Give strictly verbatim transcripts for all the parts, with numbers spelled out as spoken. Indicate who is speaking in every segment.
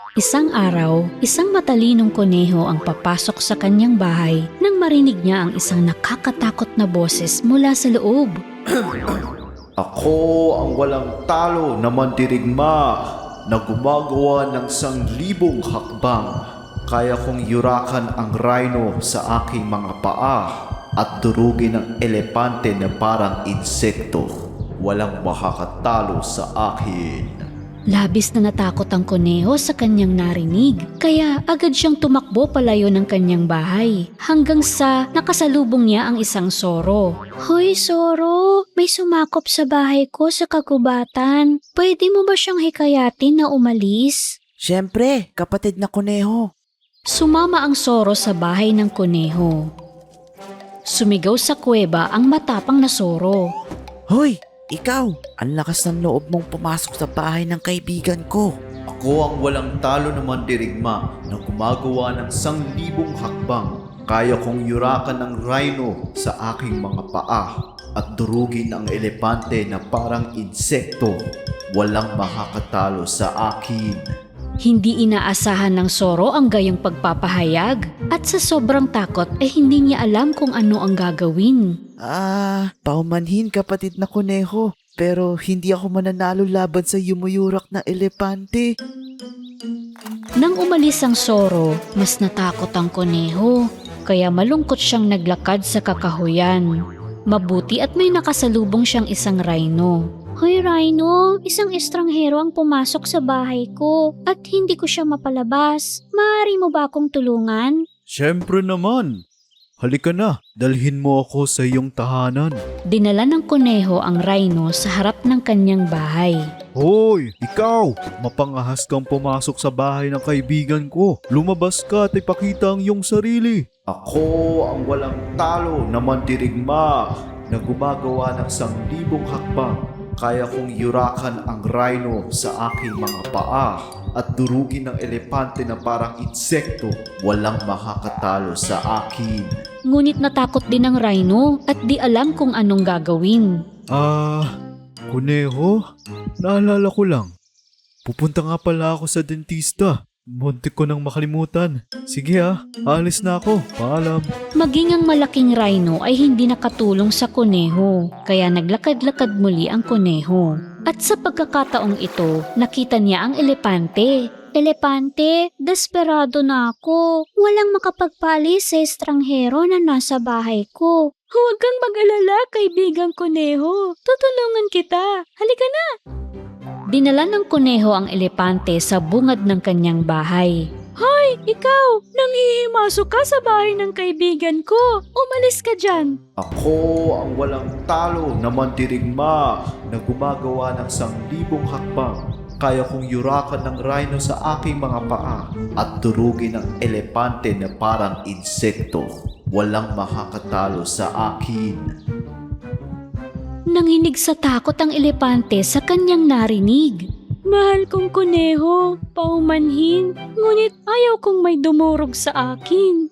Speaker 1: Isang araw, isang matalinong kuneho ang papasok sa kanyang bahay nang marinig niya ang isang nakakatakot na boses mula sa loob.
Speaker 2: Ako ang walang talo na mandirigma na gumagawa ng sanglibong hakbang. Kaya kong yurakan ang rhino sa aking mga paa at durugin ang elepante na parang insekto. Walang makakatalo sa akin.
Speaker 1: Labis na natakot ang kuneho sa kanyang narinig, kaya agad siyang tumakbo palayo ng kanyang bahay hanggang sa nakasalubong niya ang isang soro. Hoy soro, may sumakop sa bahay ko sa kagubatan. Pwede mo ba siyang hikayatin na umalis?
Speaker 3: Siyempre, kapatid na kuneho.
Speaker 1: Sumama ang soro sa bahay ng kuneho. Sumigaw sa kuweba ang matapang na soro.
Speaker 3: Hoy, ikaw! Ang lakas ng loob mong pumasok sa bahay ng kaibigan ko.
Speaker 2: Ako ang walang talo na mandirigma na gumagawa ng sanglibong hakbang. Kaya kong yurakan ng rhino sa aking mga paa at durugin ang elepante na parang insekto. Walang makakatalo sa akin.
Speaker 1: Hindi inaasahan ng soro ang gayong pagpapahayag at sa sobrang takot ay hindi niya alam kung ano ang gagawin.
Speaker 3: Ah, paumanhin kapatid na kuneho. Pero hindi ako mananalo laban sa yumuyurak na elepante.
Speaker 1: Nang umalis ang soro, mas natakot ang kuneho. Kaya malungkot siyang naglakad sa kakahuyan. Mabuti at may nakasalubong siyang isang rhino. Hoy rhino, isang estranghero ang pumasok sa bahay ko at hindi ko siya mapalabas. Maaari mo ba akong tulungan?
Speaker 2: Siyempre naman. Halika na, dalhin mo ako sa iyong tahanan.
Speaker 1: Dinala ng kuneho ang rhino sa harap ng kanyang bahay.
Speaker 2: Hoy, ikaw! Mapangahas kang pumasok sa bahay ng kaibigan ko. Lumabas ka at ipakita ang iyong sarili. Ako ang walang talo na mandirigma na gumagawa ng sanglibong hakbang. Kaya kong yurakan ang rhino sa aking mga paa at durugin ng elepante na parang insekto. Walang makakatalo sa akin.
Speaker 1: Ngunit natakot din ang rhino at di alam kung anong gagawin.
Speaker 2: Ah, kuneho? Naalala ko lang. Pupunta nga pala ako sa dentista. Muntik ko nang makalimutan. Sige ah, alis na ako. Paalam.
Speaker 1: Maging ang malaking rhino ay hindi nakatulong sa kuneho, kaya naglakad-lakad muli ang kuneho. At sa pagkakataong ito, nakita niya ang elepante. Elepante, desperado na ako. Walang makapagpalis sa estranghero na nasa bahay ko. Huwag kang mag-alala, kaibigang kuneho. Tutulungan kita. Halika na! Dinala ng kuneho ang elepante sa bungad ng kanyang bahay. Hoy, ikaw! Nanghihimasok ka sa bahay ng kaibigan ko. Umalis ka dyan.
Speaker 2: Ako ang walang talo na mandirigma na gumagawa ng sanglibong hakbang. Kaya kong yurakan ng rhino sa aking mga paa at durugin ng elepante na parang insekto. Walang makakatalo sa akin.
Speaker 1: Nanginig sa takot ang elepante sa kanyang narinig. Mahal kong kuneho, paumanhin, ngunit ayaw kong may dumurog sa akin.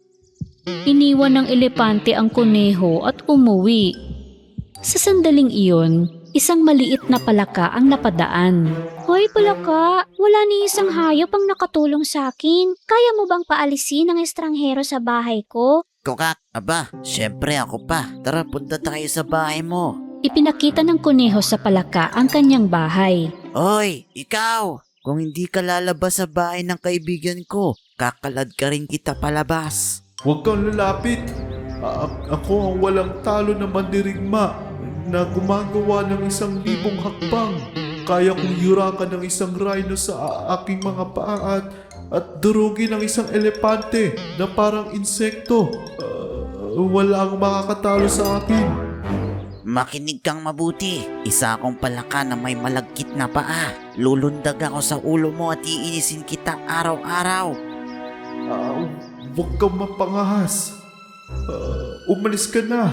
Speaker 1: Iniwan ng elepante ang kuneho at umuwi. Sa sandaling iyon, isang maliit na palaka ang napadaan. Hoy palaka, wala ni isang hayop ang nakatulong sa akin. Kaya mo bang paalisin ang estranghero sa bahay ko?
Speaker 3: Kokak, aba, siyempre ako pa. Tara, punta tayo sa bahay mo.
Speaker 1: Ipinakita ng kuneho sa palaka ang kanyang bahay.
Speaker 3: Hoy, ikaw! Kung hindi ka lalabas sa bahay ng kaibigan ko, kakalad ka rin kita palabas.
Speaker 2: Huwag kang lalapit. A- ako ang walang talo na mandirigma na gumagawa ng isang libong hakbang. Kaya kong yurakan ng isang rhino sa a- aking mga paa at, at durugin ng isang elepante na parang insekto. Uh, wala ang makakatalo sa akin.
Speaker 3: Makinig kang mabuti. Isa akong palaka na may malagkit na paa. Lulundag ako sa ulo mo at iinisin kita araw-araw.
Speaker 2: Uh, huwag kang mapangahas. Uh, umalis ka na.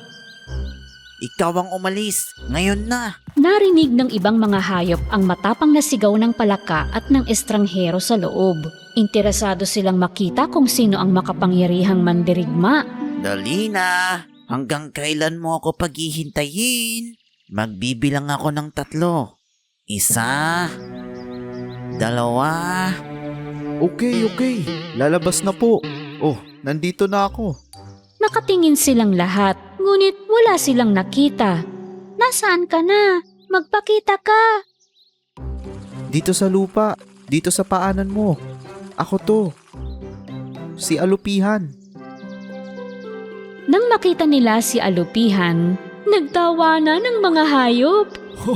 Speaker 3: Ikaw ang umalis. Ngayon na.
Speaker 1: Narinig ng ibang mga hayop ang matapang na sigaw ng palaka at ng estranghero sa loob. Interesado silang makita kung sino ang makapangyarihang mandirigma.
Speaker 3: Dali na. Hanggang kailan mo ako paghihintayin? Magbibilang ako ng tatlo. Isa, dalawa,
Speaker 2: Okay, okay. Lalabas na po. Oh, nandito na ako.
Speaker 1: Nakatingin silang lahat, ngunit wala silang nakita. Nasaan ka na? Magpakita ka!
Speaker 2: Dito sa lupa. Dito sa paanan mo. Ako to. Si Alupihan.
Speaker 1: Nang makita nila si Alupihan, nagtawanan ng mga hayop.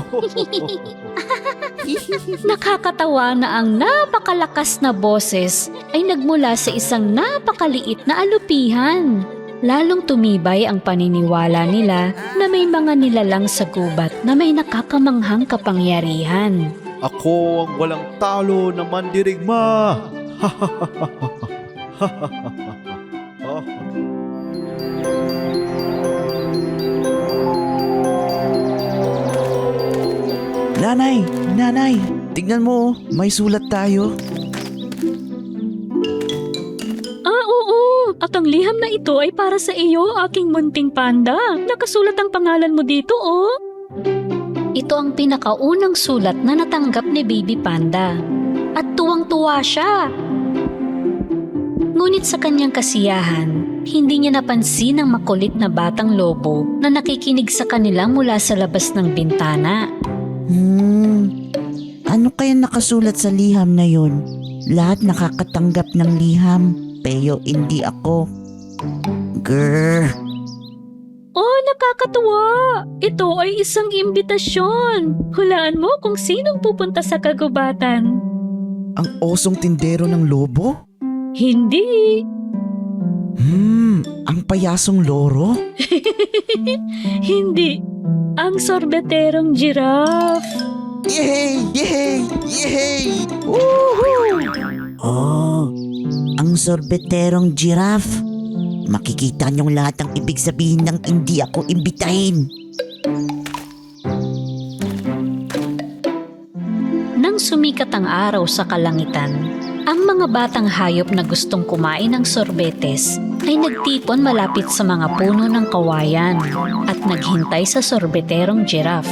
Speaker 1: Nakakatawa na ang napakalakas na boses ay nagmula sa isang napakaliit na alupihan. Lalong tumibay ang paniniwala nila na may mga nilalang sa gubat na may nakakamanghang kapangyarihan.
Speaker 2: Ako ang walang talo na mandirigma.
Speaker 4: Nanay, nanay, tignan mo, may sulat tayo.
Speaker 1: Ah, oo! At ang liham na ito ay para sa iyo, aking munting panda. Nakasulat ang pangalan mo dito, oh! Ito ang pinakaunang sulat na natanggap ni Baby Panda. At tuwang-tuwa siya. Ngunit sa kanyang kasiyahan, hindi niya napansin ang makulit na batang lobo na nakikinig sa kanila mula sa labas ng bintana.
Speaker 4: Hmm, ano kaya nakasulat sa liham na yun? Lahat nakakatanggap ng liham, pero hindi ako. Grrr.
Speaker 1: Oh, nakakatuwa! Ito ay isang imbitasyon. Hulaan mo kung sinong pupunta sa kagubatan.
Speaker 4: Ang osong tindero ng lobo?
Speaker 1: Hindi!
Speaker 4: Hmm, ang payasong loro?
Speaker 1: Hindi! Ang sorbeterong giraffe!
Speaker 4: Yay! Yay! Yay! Woohoo! Oh, ang sorbeterong giraffe. Makikita niyong lahat ang ibig sabihin ng hindi ako imbitahin.
Speaker 1: Nang sumikat ang araw sa kalangitan, ang mga batang hayop na gustong kumain ng sorbetes ay nagtipon malapit sa mga puno ng kawayan at naghintay sa sorbeterong giraffe.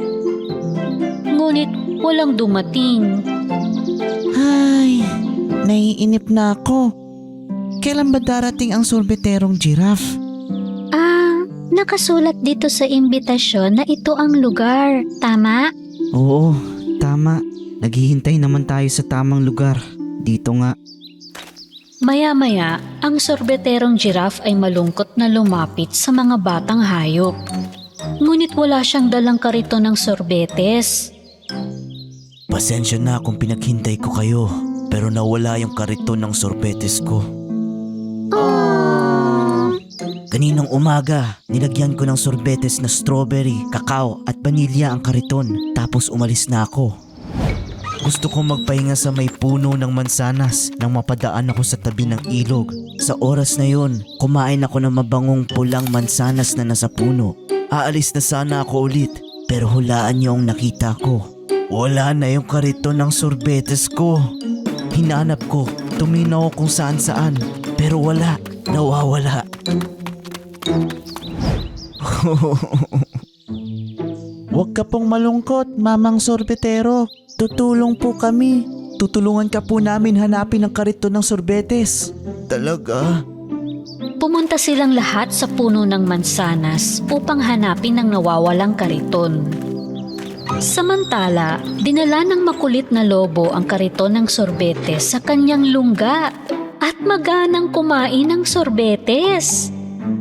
Speaker 1: Ngunit walang dumating.
Speaker 4: Ay, naiinip na ako. Kailan ba darating ang sorbeterong giraffe?
Speaker 1: Ah, nakasulat dito sa imbitasyon na ito ang lugar. Tama?
Speaker 4: Oo, tama. Naghihintay naman tayo sa tamang lugar. Dito nga.
Speaker 1: Maya-maya, ang sorbeterong giraffe ay malungkot na lumapit sa mga batang hayop. Ngunit wala siyang dalang kariton ng sorbetes.
Speaker 4: Pasensya na kung pinaghintay ko kayo, pero nawala yung kariton ng sorbetes ko. Kaninang umaga, nilagyan ko ng sorbetes na strawberry, kakao at vanilya ang kariton, tapos umalis na ako. Gusto kong magpahinga sa may puno ng mansanas nang mapadaan ako sa tabi ng ilog. Sa oras na yon, kumain ako ng mabangong pulang mansanas na nasa puno. Aalis na sana ako ulit, pero hulaan niyo ang nakita ko. Wala na yung kariton ng sorbetes ko. Hinanap ko, tuminaw kung saan saan, pero wala, nawawala. Huwag ka pong malungkot, Mamang Sorbetero. Tutulong po kami. Tutulungan ka po namin hanapin ang kariton ng sorbetes. Talaga?
Speaker 1: Pumunta silang lahat sa puno ng mansanas upang hanapin ang nawawalang kariton. Samantala, dinala ng makulit na lobo ang kariton ng sorbetes sa kanyang lungga at maganang kumain ng sorbetes.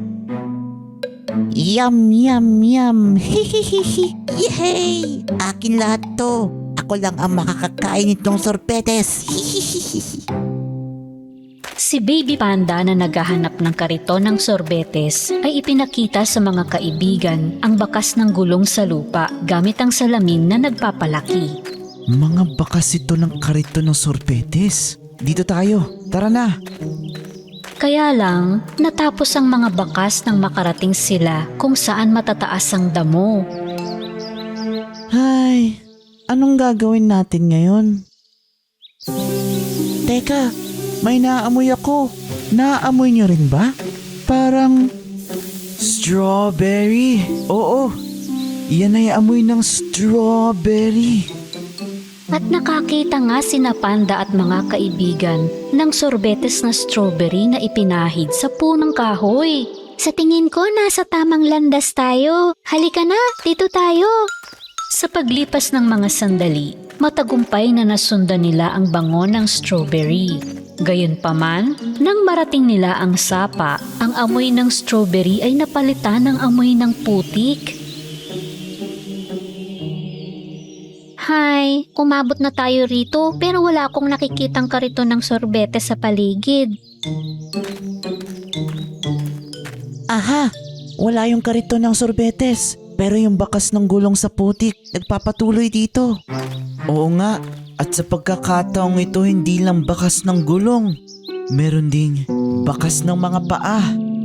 Speaker 4: Yum, yum, yum. Hihihihi. Yay! Akin lahat to. Ako lang ang makakakain nitong sorbetes. Hihihihi.
Speaker 1: Si Baby Panda na naghahanap ng kariton ng sorbetes ay ipinakita sa mga kaibigan ang bakas ng gulong sa lupa gamit ang salamin na nagpapalaki.
Speaker 4: Mga bakas ito ng kariton ng sorbetes. Dito tayo. Tara na.
Speaker 1: Kaya lang, natapos ang mga bakas nang makarating sila kung saan matataas ang damo.
Speaker 4: Ay, anong gagawin natin ngayon? Teka, may naamoy ako. Naamoy niyo rin ba? Parang strawberry. Oo, yan ay amoy ng strawberry.
Speaker 1: At nakakita nga sina Panda at mga kaibigan ng sorbetes na strawberry na ipinahid sa punong kahoy. Sa tingin ko, nasa tamang landas tayo. Halika na, dito tayo. Sa paglipas ng mga sandali, matagumpay na nasundan nila ang bango ng strawberry. Gayunpaman, nang marating nila ang sapa, ang amoy ng strawberry ay napalitan ng amoy ng putik. Hi, umabot na tayo rito pero wala akong nakikitang kariton ng sorbete sa paligid.
Speaker 4: Aha! Wala yung kariton ng sorbetes. Pero yung bakas ng gulong sa putik, nagpapatuloy dito. Oo nga, at sa pagkakataong ito hindi lang bakas ng gulong. Meron ding bakas ng mga paa.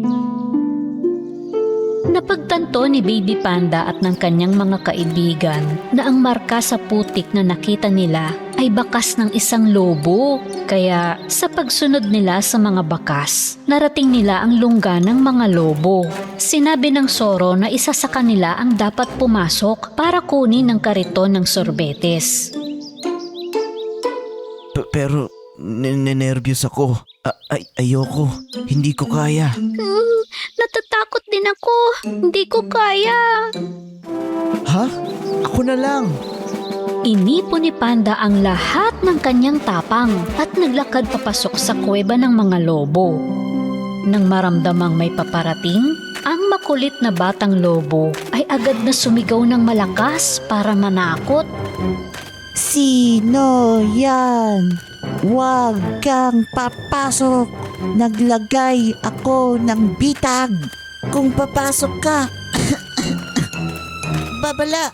Speaker 1: Napagtanto ni Baby Panda at ng kanyang mga kaibigan na ang marka sa putik na nakita nila ay bakas ng isang lobo. Kaya sa pagsunod nila sa mga bakas, narating nila ang lungga ng mga lobo. Sinabi ng Zoro na isa sa kanila ang dapat pumasok para kunin ang kariton ng sorbetes.
Speaker 4: P- pero ninenervyos ako. A- ay- ayoko. Hindi ko kaya.
Speaker 1: Hmm, natatakot din ako. Hindi ko kaya.
Speaker 4: Ha? Ako na lang.
Speaker 1: Inipon ni Panda ang lahat ng kanyang tapang at naglakad papasok sa kuweba ng mga lobo. Nang maramdamang may paparating, ang makulit na batang lobo ay agad na sumigaw ng malakas para manakot.
Speaker 4: Sino yan? Huwag kang papasok. Naglagay ako ng bitag. Kung papasok ka, babala.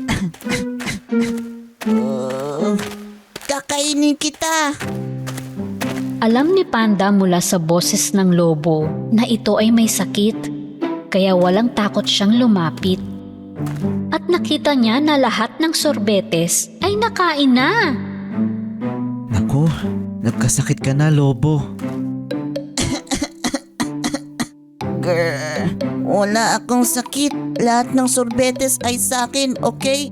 Speaker 4: Uh, kakainin kita.
Speaker 1: Alam ni Panda mula sa boses ng lobo na ito ay may sakit, kaya walang takot siyang lumapit. At nakita niya na lahat ng sorbetes ay nakain na.
Speaker 4: Naku, nagkasakit ka na, lobo. Grr, wala akong sakit. Lahat ng sorbetes ay sa akin, okay?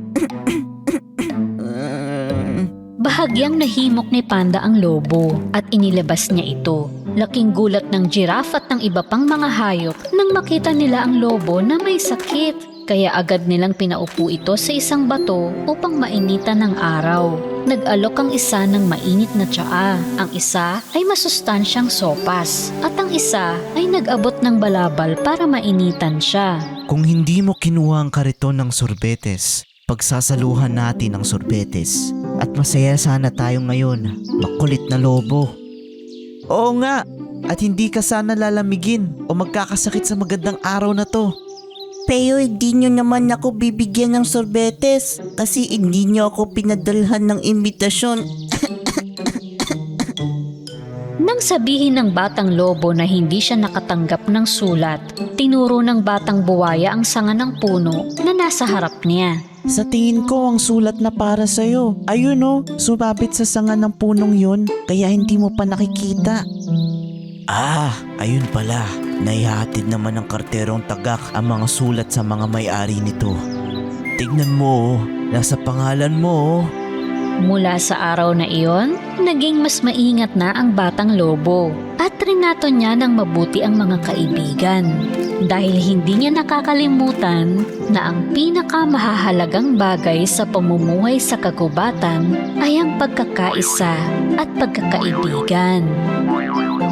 Speaker 1: Bahagyang nahimok ni Panda ang lobo at inilabas niya ito. Laking gulat ng giraffe at ng iba pang mga hayop nang makita nila ang lobo na may sakit. Kaya agad nilang pinaupo ito sa isang bato upang mainitan ng araw. Nag-alok ang isa ng mainit na tsaa, ang isa ay masustansyang sopas, at ang isa ay nag-abot ng balabal para mainitan siya.
Speaker 4: Kung hindi mo kinuha ang kariton ng sorbetes, pagsasaluhan natin ang sorbetes. At masaya sana tayo ngayon, makulit na lobo. Oo nga, at hindi ka sana lalamigin o magkakasakit sa magandang araw na to. Pero hindi nyo naman ako bibigyan ng sorbetes kasi hindi nyo ako pinadalhan ng imbitasyon.
Speaker 1: Nang sabihin ng batang lobo na hindi siya nakatanggap ng sulat, tinuro ng batang buwaya ang sanga ng puno na nasa harap niya.
Speaker 4: Sa tingin ko ang sulat na para sa'yo. Ayun o, sumabit sa sanga ng punong yun kaya hindi mo pa nakikita. Ah, ayun pala. Naihatid naman ng karterong tagak ang mga sulat sa mga may-ari nito. Tignan mo, nasa pangalan mo.
Speaker 1: Mula sa araw na iyon, naging mas maingat na ang batang lobo at trinato niya ng mabuti ang mga kaibigan. Dahil hindi niya nakakalimutan na ang pinakamahahalagang bagay sa pamumuhay sa kagubatan ay ang pagkakaisa at pagkakaibigan.